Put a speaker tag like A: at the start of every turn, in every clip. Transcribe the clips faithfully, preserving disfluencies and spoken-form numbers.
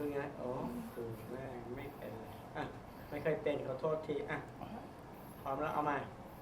A: คือไงโอ้คือไม่ไม่เป็นเลยอ่ะไม่เคยเป็นขอโทษทีอ่ะพร้อมแล้วเอาใหม่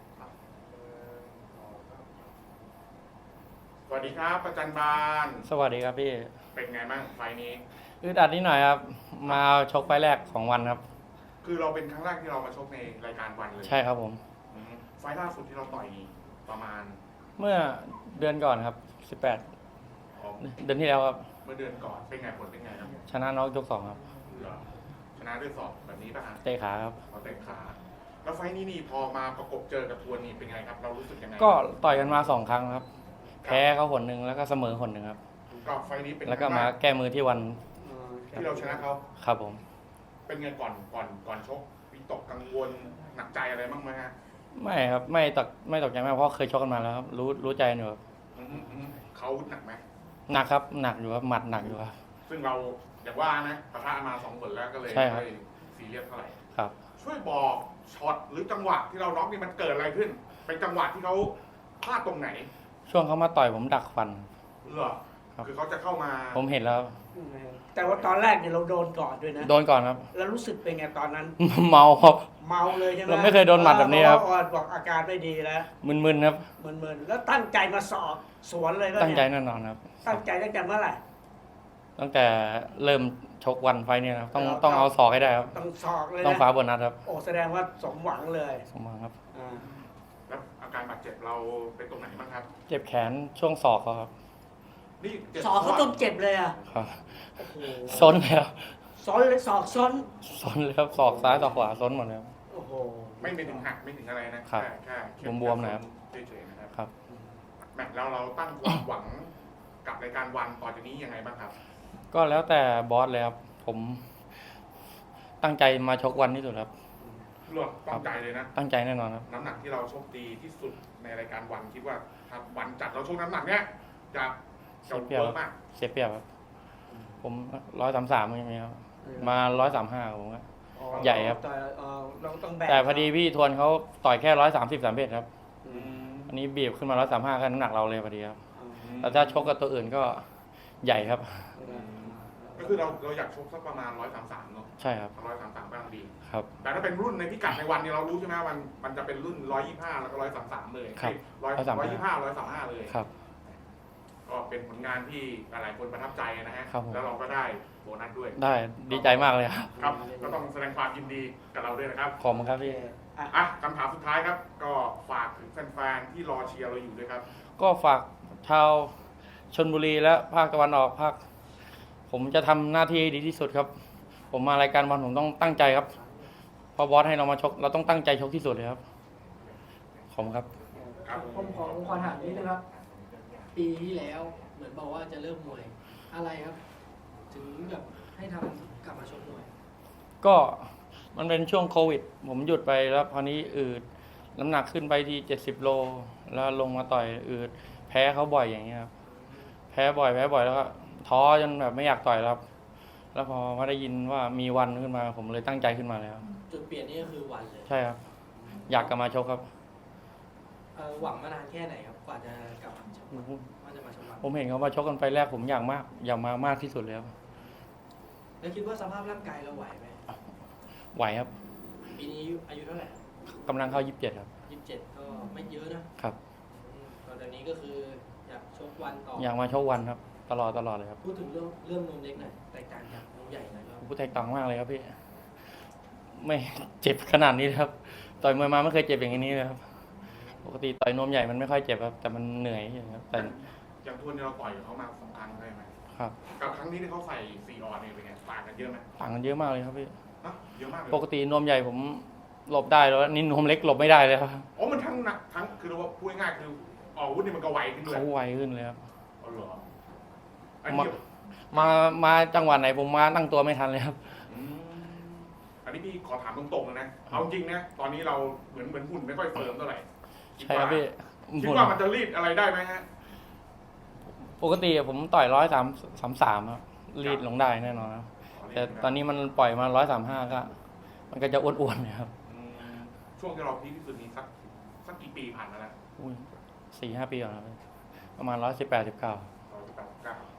B: สวัสดีครับประจันบาน
C: สวัสดีครับพี่
B: เป็นไงบ้างไฟนี้
C: อึดอัดนิดหน่อยครับมาชกไฟแรกของวันครับ
B: คือเราเป็นครั้งแรกที่เรามาชกในรายการวันเลย
C: ใช่ครับผม
B: ไฟล่าสุดที่เราต่อยประมาณ
C: เมื่อเดือนก่อนครับสิบแปดเดือนที่แล้วครับ
B: เมื่อเดือนก่อนเป็นไงผลเป็นไงครับ
C: ชนะน็อกยกสองครับ
B: ชนะด้วยศอกแบบนี้ป่ะฮะ
C: เตะขาครับ
B: เราเตะขาแล้วไฟนี้นี่พอมาประกบเจอกับทวนนี่เป็นไงครับเรารู้สึกยังไง
C: ก็ต่อยกันมาสองครั้งครับแพ้เขาหนหนึ่งแล้วก็เสมอหนหนึ่งครับ
B: ก็ไฟนี้เป็น
C: แล้วก็มาแก้มือที่วัน
B: ที่เราชนะเขา
C: ครับผม
B: เป็นไงก่อนก่อนก่อนชกวิตกกังวลหนักใจอะไรบ้างไหมฮะ
C: ไม่ครับไม่ตกไม่ตกใจมากเพราะเคยชกกันมาแล้วครับรู้รู้ใจอยู่ครับ
B: เขาหนักไหม
C: หนักครับหนักอยู่ครับหมัดหนักอยู่ครับ
B: ซึ่งเราอย่างว่านะปะทะมาสองผลแล้วก็เลยไม่ซีเรียสเท่าไหร่
C: ครับ
B: ช่วยบอกช็อตหรือจังหวะที่เราล็อกนี่มันเกิดอะไรขึ้นเป็นจังหวะที่เขาพลาดตรงไหน
C: ช่วงเขามาต่อยผมดักฟัน
B: เหรอคือเขาจะเข้ามา
C: ผมเห็นแล้ว
A: แต่ว่าตอนแรกเนี่ยเราโดนก่อนด้วยนะ
C: โดนก่อนครับ
A: แล้วรู้สึกเป็นไงตอนนั้น
C: เมาครับ
A: เมาเลยใช่ไหม
C: เราไม่เคยโดนหมัดแบบนี้ครับ
A: บอกอาการไม่ดีแล้ว
C: มึนๆครับ
A: มึนๆแล้วตั้งใจมาสอบสวนเลยก็
C: ตั้งใจแน่นอนครับ
A: ตั้งใจตั้งแต่เมื่อไหร่
C: ตั้งแต่เริ่มชกวันไฟเนี่ยครับต้องต้องเอาศอกให้ได้ครับ
A: ต้องศอกเลย
C: ต้องฟ้าบนนัดครับ
A: โอ้แสดงว่าสมหวังเลย
C: สมหวังครับ
B: แล้วอาการบาดเจ็บเราเป็นตรงไหนบ้างครับ
C: เจ็บแขนช่วงศอกเขาครับ
A: นี่ศอกเขาต้องเจ็บเลยอ่ะ
C: ครับซ้นเลยครับ
A: ซ้นเลยศอกซ้น
C: ซ้นเลยครับศอกซ้ายศอกขวาซ้นหมดเลยครับ
A: โอ้โห
B: ไม่เป็นถึงหักไม่ถึงอะไรนะ
C: แค่แค่บวมๆนะครับ
B: เฉยๆนะครับ
C: ครับ
B: แมตช์แล้วเราตั้งความหวังกับรายการวันต่อจากนี้ยังไงบ้างครับ
C: ก็แล้วแต่บอสเลยครับผมตั้งใจมาชกวันที่สุดครับ
B: เลือกตั้งใจเลยนะ
C: ตั้งใจแน่นอนครับ
B: น้ำหนักที่เราชกดีที่สุดในรายการวันคิดว่าถ้าวันจัดเราชกน้ำหนักเนี้ยจะ
C: จะเปรียบมากเสียเปรียบครับผมร้อยสามสามใช่ไหมครับมาร้อยสามห้าผมก็ใหญ่ครับแต่พอดีพี่ทวนเขาต่อยแค่ร้อยสามสิบสามเอ็ดครับอันนี้บีบขึ้นมาร้อยสามห้าแค่น้ำหนักเราเลยพอดีครับแต่ถ้าชกกับตัวอื่นก็ใหญ่ครับ
B: ก็คือเราเราอยากชกสักประมาณร้อยสามสามเนาะ
C: ใช่ครับ
B: ร้อยสามสามกำลังดี
C: ครับ
B: แต่ถ้าเป็นรุ่นในพิกัดในวันนี้เรารู้ใช่ไหมมันมันจะเป็นรุ่นร้อยยี่ห้าแล้วก็ร้อยสามสามเลย
C: ครับ
B: ร้อยร้อยยี่ห้าร้อยสามห้าเลย
C: ครับ
B: ก็เป็นผลงานที่หลายคนประทับใจนะฮะแล้วเราก็ได้โบนัสด้วย
C: ได้ดีใจมากเลยครับ
B: ครับก็ต้องแสดงความยินดีกับเราด้วยนะครับ
C: ขอบคุณครับพี่
B: อ่ะคำถามสุดท้ายครับก็ฝากถึงแฟนๆที่รอเชียร์เราอยู่ด้วยครับ
C: ก็ฝากชาวชลบุรีและภาคตะวันออกภาคผมจะทำหน้าที่ดีที่สุดครับผมมารายการบอลผมต้องตั้งใจครับพอบอสให้เรามาชกเราต้องตั้งใจชกที่สุดเลยครับขอบคุณครับ
D: ผมขอผมขอถามนิดนะครับปีที่แล้วเหมือนบอกว่าจะเริ่มมวยอะไรครับถึงแบบให้ทำกลับมาชกมวย
C: ก็มันเป็นช่วงโควิดผมหยุดไปแล้วพอนี้อืดน้ำหนักขึ้นไปที่เจ็ดสิบโลแล้วลงมาต่อยอืดแพ้เขาบ่อยอย่างเงี้ยครับแพ้บ่อยแพ้บ่อยแล้วก็ท้อจนแบบไม่อยากต่อยแล้วแล้วพอมาได้ยินว่ามีวันขึ้นมาผมเลยตั้งใจขึ้นมาแล้ว
D: จุดเปลี่ยนนี่ก็คือวันเลย
C: ใช่ครับอยากกลับมาชกครับ
D: หวังมานานแค่ไหนครับกว่าจะกลับมาชกว่าจะมาชก
C: ผมเห็นเขามาชกกันไฟแรกผมอยากมากอยากมามากที่สุดแล้ว
D: แล้วคิดว่าสภาพร่างกายเราไหวไหม
C: ไหวครับ
D: ปีนี้อายุเท่าไหร่
C: กำลังเข้ายี่สิบเจ็ดครับ
D: ยี่สิบเจ็ดก็ไม่เยอะ
C: นะครับ
D: ตอนนี้ก็คืออยากชกวันต่อ
C: อยากมาชกวันครับตลอดตลอดเลยครับ
D: พูดถึงเรื่องเรื่องนมเล็กหน่อยแตกต่างจากนมใหญ่หน่อย
C: พูดแตกต่างมากเลยครับพี่ไม่เจ็บขนาดนี้ครับต่อยมวยมาไม่เคยเจ็บอย่างนี้เลยครับปกติต่อยนมใหญ่มันไม่ค่อยเจ็บครับแต่มันเหนื่อยครับแต่
B: อย่างทุนเราต่อยเขามาสองครั้งใช่ไหม
C: ครับ
B: กับครั้งนี้ที่เขาใส่ซีออนนี่เป็นไงต่างกันเยอะไหม
C: ต่างกันเยอะมากเลยครับพี่
B: เยอะมากเลย
C: ปกตินมใหญ่ผมหลบได้แล้วนี่นมเล็กหลบไม่ได้เลยครับ
B: อ๋อมันทั้งหนักทั้งคือเราพูดง่ายๆคือออกวุธนี่มันก็ไวขึ้นเลย
C: เขาไวขึ้นเลยครับ
B: อ๋อเหรอ
C: มามามาจังหวะไหนผมมาตั้งตัวไม่ทันเลยครับ
B: อันนี้พี่ขอถามตรงๆเลยนะเอาจริงนะตอนนี้เราเหมือนเหมือนหุ่นไม่ค่อยเฟิร์มเท่าไหร่
C: ใช่ครับพี่
B: คิดว่ามันจะรีดอะไรได้ไหมฮะ
C: ปกติผมต่อยร้อยสามสามสามครับรีดลงได้แน่นอนครับแต่ตอนนี้มันปล่อยมาร้อยสามห้าก็มันก็จะอ้วนๆนะครับ
B: ช่วงที่เราพีคที่สุดนี้สักสักกี่ปีผ่านมาแล้ว
C: สี่ห้าปีก่อนครับประมาณร้อยสิบแปดสิบเก้า
B: ร้อยสิบแปดสิบเก้า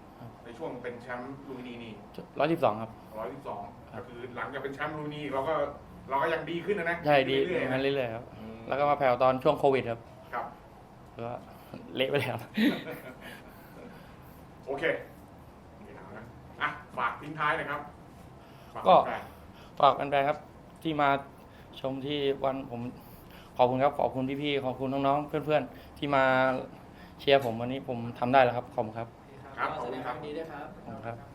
B: ในช่วงเป็นแชมป์ลูมินีนี่
C: ร้อยสิบสองครับ
B: ร้อยสิบสอง
C: ครั
B: ก็
C: บ
B: คือหลังจากเป็นแชมป์ลูมินีเราก็เราก็ยังดีขึ้นนะนะ
C: ใช่ดี
B: เรื่อยๆ
C: งั้
B: นะ
C: นเรื่อยๆครับ
B: อืม
C: แล้วก็มาแผ่วตอนช่วงโควิดครับ
B: ครับ
C: แล้วก็เละไปแล้ว
B: โอเคไม่ถามนะอ่ะฝากทิ้งท้ายหนะครับฝา
C: ก็
B: แฟน
C: ฝากแฟนๆครับที่มาชมที่วันผมขอบคุณครับขอบคุณพี่ๆขอบคุณน้องๆเพื่อนๆที่มาเชียร์ผมวันนี้ผมทำได้แล้วครับขอบคุณครับ
D: ครับก็แสดงความยินดีด้วยครับ
C: ขอบคุณครับ